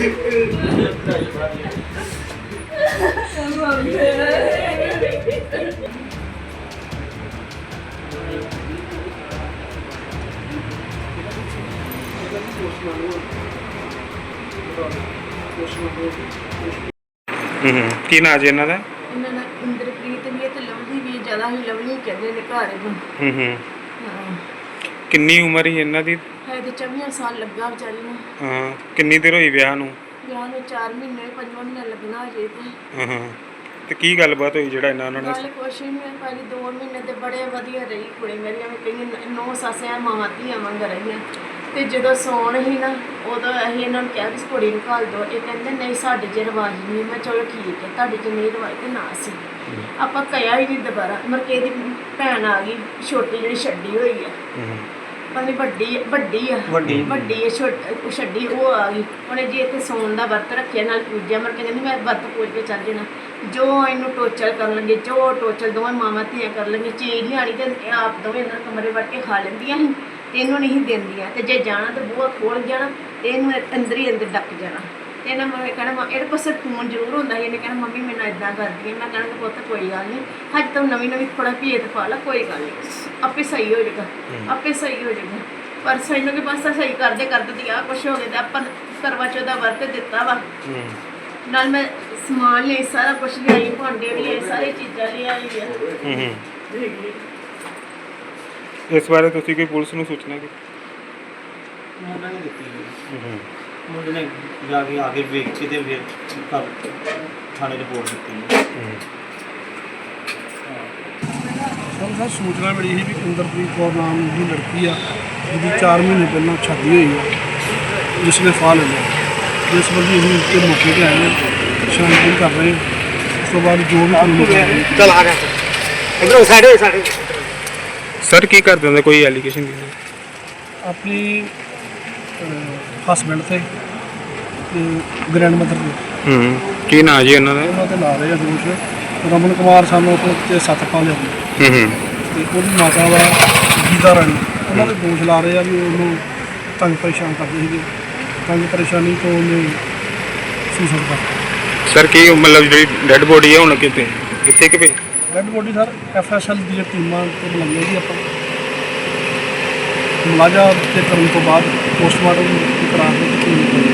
ਕੀ ਨਾਂ ਜੀ ਇਹਨਾਂ ਦਾ? ਇਹਨਾਂ ਦਾ ਇੰਦਰਪ੍ਰੀਤ ਵੀ ਹੈ ਤੇ ਲਵਲੀ ਵੀ ਹੈ। ਜ਼ਿਆਦਾ ਹੀ ਲਵਲੀ ਕਹਿੰਦੇ ਨੇ ਘਰ ਨੂੰ। ਹਾਂ। ਕਿੰਨੀ ਉਮਰ ਹੀ ਇਹਨਾਂ ਦੀ? ਹੈ ਤੇ 24 ਸਾਲ ਲੱਗਾ ਵਿਚਾਰੀ ਨੂੰ। ਹਾਂ। ਕਿੰਨੀ ਦੇਰ ਹੋਈ ਵਿਆਹ ਨੂੰ? ਵਿਆਹ ਨੂੰ 4 ਮਹੀਨੇ 5 ਮਹੀਨੇ ਲੱਗਣਾ ਅਜੇ ਤੇ। ਤੇ ਕੀ ਗੱਲਬਾਤ ਹੋਈ ਜਿਹੜਾ ਉਹਨਾਂ ਨੇ? ਗੱਲ ਕੁਛ ਨਹੀਂ ਹੈ ਭਾਜੀ, 2 ਮਹੀਨੇ ਤੇ ਬੜੇ ਵਧੀਆ ਰਹੀ ਕੁੜੀ ਮੇਰੀ। ਐਵੇਂ ਕਈ 9 ਸੱਸਿਆਂ ਮਾਵਾਂ ਧੀਆਂ ਵਾਂਗ ਰਹੀਆਂ। ਤੇ ਜਦੋਂ ਸੌਣ ਹੀ ਨਾ ਉਦੋਂ ਅਸੀਂ ਇਹਨਾਂ ਨੂੰ ਕਿਹਾ ਕਿ ਕੁੜੀ ਨੂੰ ਘੱਲ ਦਿਓ। ਇਹ ਕਹਿੰਦੇ ਨਹੀਂ ਸਾਡੇ 'ਚ ਰਿਵਾਜ਼ ਨਹੀਂ। ਮੈਂ ਚਲੋ ਠੀਕ ਹੈ, ਤੁਹਾਡੇ 'ਚ ਨਹੀਂ ਰਿਵਾਜ਼ ਤੇ ਨਾ ਸੀ। ਆਪਾਂ ਕਹਿਆ ਹੀ ਨਹੀਂ ਦੁਬਾਰਾ। ਮਰਕੇ ਦੀ ਭੈਣ ਆ ਗਈ ਛੋਟੀ ਜਿਹੜੀ ਛੱਡੀ ਹੋਈ ਹੈ, ਪਤਾ ਨਹੀਂ ਵੱਡੀ ਹੈ ਛੱਡੀ, ਉਹ ਆ ਗਈ। ਉਹਨੇ ਜੀ ਇੱਥੇ ਸੌਣ ਦਾ ਵਰਤ ਰੱਖਿਆ ਨਾਲ ਪੂਜਿਆ। ਮਰ ਕੇ ਕਹਿੰਦੀ ਮੈਂ ਵਰਤ ਪੂਜ ਕੇ ਚੱਲ ਜਾਣਾ। ਜੋ ਇਹਨੂੰ ਟੋਚਲ ਕਰਨ ਲੱਗੇ, ਜੋ ਟੋਚਲ ਦੋਵੇਂ ਮਾਵਾਂ ਧੀਆਂ ਕਰ ਲੈਂਦੀਆਂ। ਚੀਜ਼ ਨਹੀਂ ਆਣੀ ਤੇ ਆਪ ਦੋਵੇਂ ਅੰਦਰ ਕਮਰੇ ਵੜ ਕੇ ਖਾ ਲੈਂਦੀਆਂ ਸੀ ਤੇ ਇਹਨੂੰ ਨਹੀਂ ਦਿੰਦੀਆਂ। ਤੇ ਜੇ ਜਾਣਾ ਤਾਂ ਬੂਹਾ ਖੋਲ ਜਾਣਾ ਤੇ ਇਹਨੂੰ ਅੰਦਰ ਹੀ ਅੰਦਰ ਡੱਕ ਜਾਣਾ। ਤੇ ਇਹਨਾਂ ਮੈਂ ਕਹਿਣਾ ਇਹਦੇ ਕੋਲ ਸਿਰ ਫੋਨ ਜ਼ਰੂਰ ਹੁੰਦਾ ਸੀ। ਇਹਨੇ ਕਹਿਣਾ ਮੰਮੀ ਮੈਨੂੰ ਇੱਦਾਂ ਕਰਦੀ ਹੈ। ਮੈਂ ਕਹਿਣਾ ਪੁੱਤ ਕੋਈ ਗੱਲ ਨਹੀਂ, ਹਜੇ ਤਾਂ ਨਵੀਂ ਥੋੜ੍ਹਾ ਭੇਦ ਪਾ ਲਾ, ਕੋਈ ਗੱਲ ਨਹੀਂ, ਆਪੇ ਸਹੀ ਹੋ ਜਾਏਗਾ, ਆਪੇ ਸਹੀ ਹੋ ਜਾਏਗਾ। ਪਰ ਸਾਨੂੰ ਕਿ ਬਸ ਸਹੀ ਕਰਦੇ ਤੇ ਆਹ ਕੁਛ ਹੋ ਗਿਆ। ਤੇ ਆਪਾਂ ਕਰਵਾ ਚੌਥ ਦਾ ਵਰਤ ਦਿੱਤਾ ਵਾ। ਨਾਲ ਮੈਂ ਸਮਾਨ ਲਿਆਈ, ਸਾਰਾ ਕੁਛ ਲਿਆਈ, ਭਾਂਡੇ ਵੀ ਲਿਆਏ, ਸਾਰੀ ਚੀਜ਼ਾਂ ਲਿਆਈ ਆ। ਇਸ ਬਾਰੇ ਤੁਸੀਂ ਕੋਈ ਪੁਲਿਸ ਨੂੰ ਸੂਚਨਾ ਕੀਤੀ? ਉਹਨਾਂ ਨੇ ਦਿੱਤੀ। ਮੁੰਡੇ ਨੇ ਜਾ ਕੇ ਆ ਕੇ ਵੇਖ ਕੇ ਤੇ ਫਿਰ ਥਾਣੇ ਰਿਪੋਰਟ ਦਿੱਤੀ। ਸਰ ਸੂਚਨਾ ਮਿਲੀ ਸੀ ਵੀ ਇੰਦਰਪ੍ਰੀਤ ਕੌਰ ਨਾਮ ਦੀ ਲੜਕੀ ਆ, ਜਿਹਦੀ 4 ਮਹੀਨੇ ਪਹਿਲਾਂ ਸ਼ਾਦੀ ਹੋਈ ਆ, ਜਿਸ ਨੇ ਫਾਹ ਲੈ ਲਿਆ। ਜਿਸ ਵਜ੍ਹਾ ਅਸੀਂ ਇੱਥੇ ਮੌਕੇ 'ਤੇ ਆਏ ਹਾਂ, ਛਾਣਬੀਣ ਕਰ ਰਹੇ ਹਾਂ। ਉਸ ਤੋਂ ਬਾਅਦ ਜੋ ਵੀ ਕਾਨੂੰਨੀ ਚਲ ਆ ਗਿਆ ਇਧਰੋਂ ਸਾਡੇ ਸਰ ਕੀ ਕਰਦੇ ਹੁੰਦੇ? ਕੋਈ ਐਲੀਗੇਸ਼ਨ ਦੀ? ਆਪਣੀ ਹਸਬੈਂਡ ਤੇ ਗ੍ਰੈਂਡ ਮਦਰ ਦੇ ਕੀ ਨਾਂ ਜੀ ਉਹਨਾਂ ਦਾ? ਉਹਨਾਂ 'ਤੇ ਲਾ ਰਹੇ ਆ ਦੋਸ਼। ਰਮਨ ਕੁਮਾਰ ਸਾਨੂੰ ਤੇ ਸਤਪਾਲ ਲਿਆ ਤੇ ਉਹਦੀ ਮਾਤਾ ਵਾ ਗੀਤਾ ਰਾਣੀ, ਉਹਨਾਂ ਦੇ ਦੋਸ਼ ਲਾ ਰਹੇ ਆ ਵੀ ਉਹਨੂੰ ਤੰਗ ਪਰੇਸ਼ਾਨ ਕਰਦੇ ਸੀਗੇ। ਤੰਗ ਪਰੇਸ਼ਾਨੀ ਤੋਂ ਉਹਨੇ ਸੁਸਾਈਡ ਕਰ। ਸਰ ਕੀ ਮਤਲਬ ਜਿਹੜੀ ਡੈੱਡ ਬੋਡੀ ਹੈ ਹੁਣ ਕਿਤੇ ਕਿ ਭਈ? ਡੈੱਡ ਬੋਡੀ ਸਰ FSL ਦੀਆਂ ਟੀਮਾਂ ਤੋਂ ਬੁਲਾਈਆਂ ਜੀ ਆਪਾਂ। ਮੁਲਾਜ਼ਾ ਤੇ ਕਰਨ ਤੋਂ ਬਾਅਦ ਪੋਸਟਮਾਰਟਮ ਕਰਾ ਕੇ